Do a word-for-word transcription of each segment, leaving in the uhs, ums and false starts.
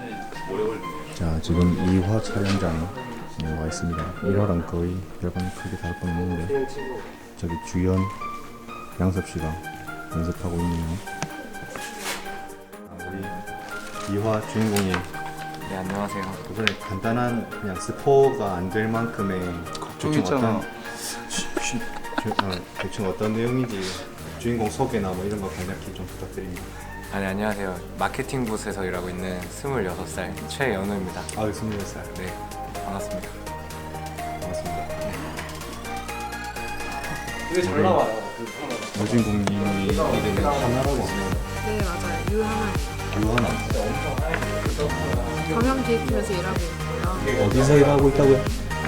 자, 지금 이 화 촬영장에 와 있습니다. 일 화랑 거의 별반 크게 다를 건 없는데 저기 주연, 양섭 씨가 연습하고 있네요. 아, 우리 이 화 주인공이 네, 안녕하세요. 이번에 간단한 그냥 스포가 안 될 만큼의 걱정했잖아. 어떤, 어, 대충 어떤 내용인지 주인공 소개나 뭐 이런 거 간략히 좀 부탁드립니다. 아, 네, 안녕하세요. 마케팅 부서에서 일하고 있는 스물여섯 살 최연우입니다. 아, 스물여섯 살. 네, 반갑습니다. 반갑습니다. 되게 잘 나와요. 여주인공님이 이름이 하나라고 있습니다. 네 맞아요. 유하나입니다. 유하나. 경영기획팀에서 일하고 있고요. 어디서 일하고 있다고요?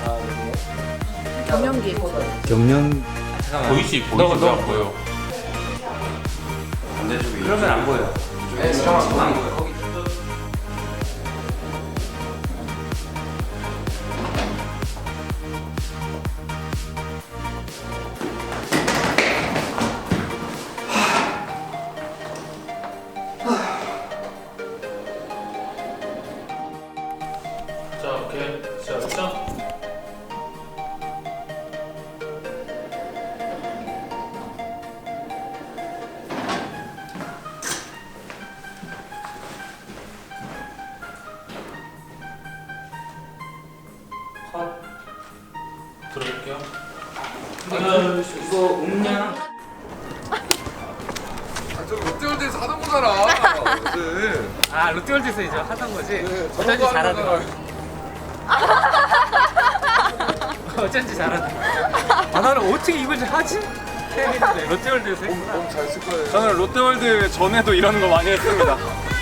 경영기획팀. 경영. 보이시 보이시 안 보여. 그러면 안 보여요. 네, 지금 안 보여요. 자, 오케이. 시작. 컷. 들어볼게요. 하나, 이거 음량. 저 롯데월드에서 하던 거잖아. 어제. 아, 롯데월드에서 이제 하던 거지? 네, 어쩐지 저거 잘하더라. 하잖아. 어쩐지 잘하더라. 아, 나는 어떻게 이걸 하지? 했는데 롯데월드에서 했구나. 너무 잘 쓸 거예요. 저는 롯데월드 전에도 이런 거 많이 했습니다.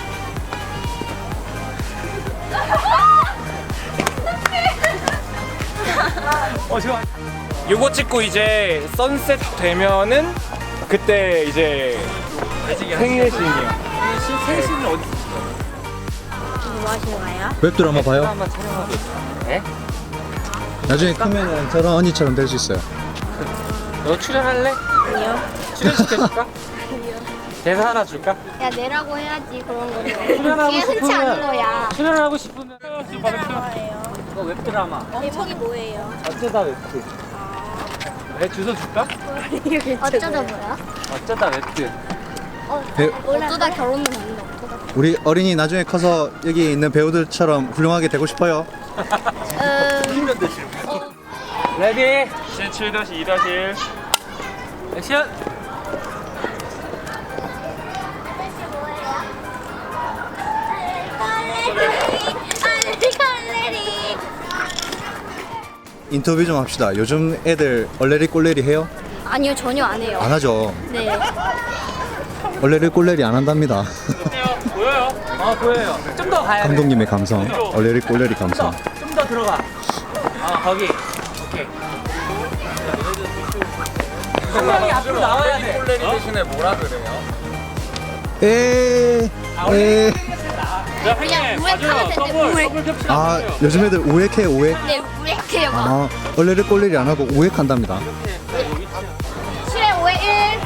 어, 좋아. 요거 찍고 이제 선셋 되면은 그때 이제 생일신이요. 생일신은 어디 뭐 하시는 거예요? 웹드라마 봐요? 한번 촬영하고 있어요. 네? 나중에 크면은 저런 언니처럼 될 수 있어요. 너 출연할래? 아니요. 출연시켜줄까? 아니요. 대사 하나 줄까? 야 내라고 해야지 그런 거는. 출연하고 이게 흔치 않은 싶으면 거야. 출연하고 싶으면 드라마예요. 너 웹드라마 제목이 뭐예요? 어쩌다 웹드. 내 주소 줄까? 어쩌다 뭐야? 어쩌다 웹드. 어, 배- 어쩌다 결혼은 했는데 어쩌다. 우리 어린이 나중에 커서 여기 있는 배우들처럼 훌륭하게 되고 싶어요. 음. 레디 칠 다시 이 다시 일. 액션. 알레리. 인터뷰 좀 합시다. 요즘 애들 얼레리 꼴레리 해요? 아니요 전혀 안 해요. 안 하죠. 네. 얼레리 꼴레리 안 한답니다. 보여요? 어, 보여요. 좀 더 가야 돼. 감독님의 감성. 얼레리 꼴레리 감성. 좀 더 들어가. 아, 거기. 오케이. 성량이 앞으로 나와야 돼. 콜레리 대신에 뭐라 그래요? 에. 에. 자, 그냥 형님, 우액 봐줘요. 하면 되는데 더블, 우액. 더블 겹치면 안 아, 돼요. 요즘 애들 우액해 우액. 네 우액해요. 아, 얼레리 꼴레리 안 하고 우액한답니다. 칠에 오에 일.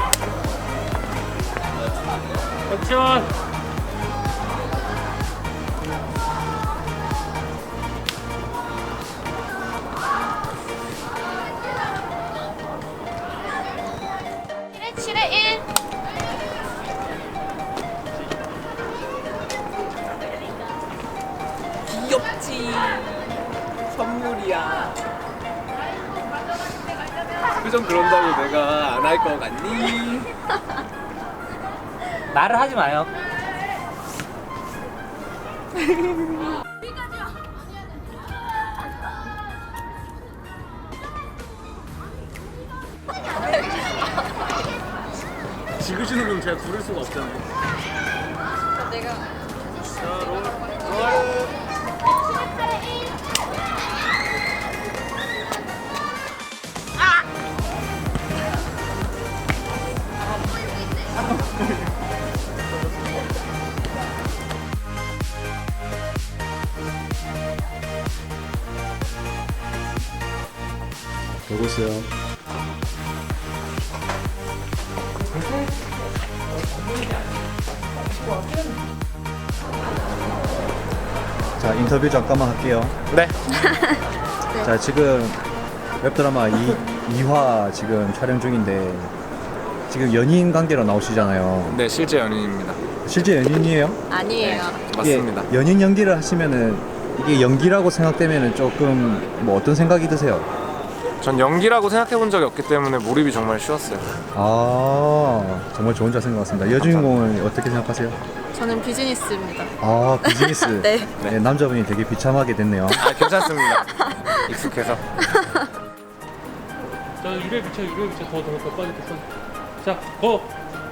액션. 칠에 일. 귀엽지. 선물이야. 표정 그런다고 내가 안 할 거 같니? 말을 하지 마요. 지그시는 건 제가 부를 수가 없잖아요. 보고 있어요. 자, 인터뷰 잠깐만 할게요. 네. 자, 지금 웹드라마 이, 이 화 지금 촬영 중인데 지금 연인 관계로 나오시잖아요. 네, 실제 연인입니다. 실제 연인이에요? 아니에요. 맞습니다. 이게 연인 연기를 하시면은 이게 연기라고 생각되면은 조금 뭐 어떤 생각이 드세요? 전 연기라고 생각해 본 적이 없기 때문에 몰입이 정말 쉬웠어요. 아, 정말 좋은 자세인 것 같습니다. 여주인공을 어떻게 생각하세요? 저는 비즈니스입니다. 아, 비즈니스. 네. 네, 남자분이 되게 비참하게 됐네요. 아, 괜찮습니다. 익숙해서. 자, 유래 비춰, 유래 비춰. 더, 더, 더 빠져, 더 빠져. 자, 고!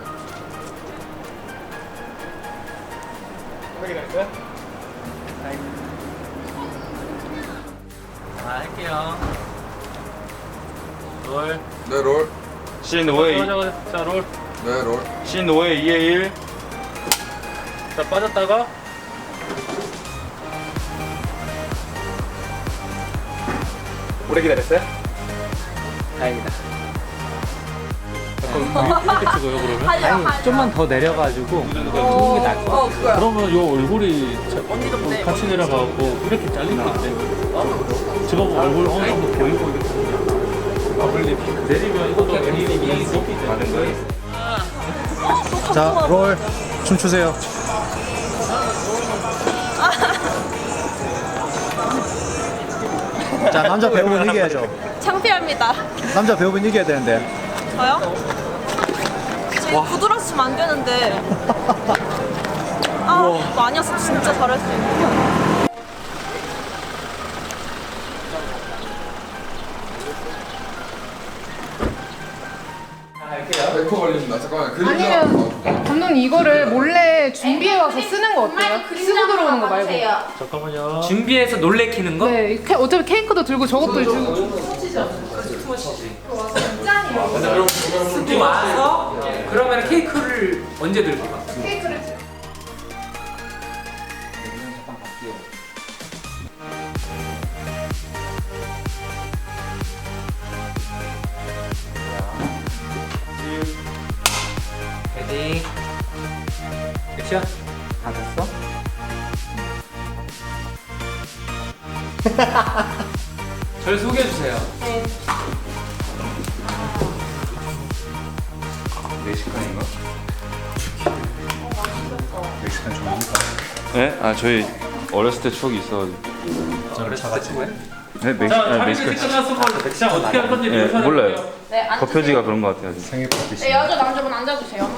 확인할까요? 자, 할게요. 롤. 네, 롤. 신 오에 이. 자, 롤. 네, 롤. 신 오에 이에 일. 자, 빠졌다가. 오래 기다렸어요? 다행이다. 약간 이렇게 찍어요, 그러면? 아니 좀만 더 내려가지고 찍는 게 나을 것 같아. 그러면 요 얼굴이 자, 같이 내려가고 이렇게 잘릴 것 같아. 지금 얼굴 어느 정도 보이고 이렇게. 내리면 이것도 애니메이션이 높이 되는 거예요. 자, 롤 춤추세요. 자, 남자 배우분 이겨야죠. 창피합니다. 남자 배우분 이겨야 되는데. 저요? 지금 부드러우시면 안 되는데. 아, 이거 아니었어. 진짜 잘할 수 있는. 백 퍼 걸립니다. 잠깐만. 그림자. 아니면 감독님 이거를 몰래 준비해 와서 쓰는 거 어때요? 쓰고 들어오는 거 말고. 잠깐만요. 준비해서 놀래키는 거? 네, 케- 어차피 케이크도 들고 저것도 들고. 듣고 와서 그러면 케이크를 언제 들고 가? 케이크를. 헤딩. 끝이야? 다 됐어? 저를 소개해주세요. 멕시칸인가? 멕시칸 좋아합니까? 네? 아 저희 어렸을 때 추억이 있어가지고. 어렸을 때 친구야? 네, 멕시, 자, 아, 촬영이 멕시칸. 끝났으면 어떻게 할 건지 네, 묘사를 몰라요. 해볼게요. 네, 앉으세요. 거표지가 그런 것 같아요. 생일 파티. 네, 여자 남자분 앉아주세요.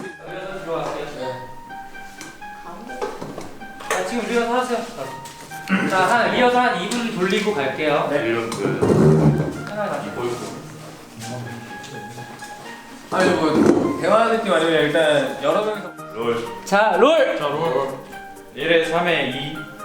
자, 지금 리허설 하세요. 자, 한 리허설 한 이 분 돌리고 갈게요. 네. 이런 그 하나 다시 보이고. 아니, 뭐, 대화 느낌 아니면 일단 여러 명이서. 롤. 자, 롤! 자, 롤. 일에 삼에 이.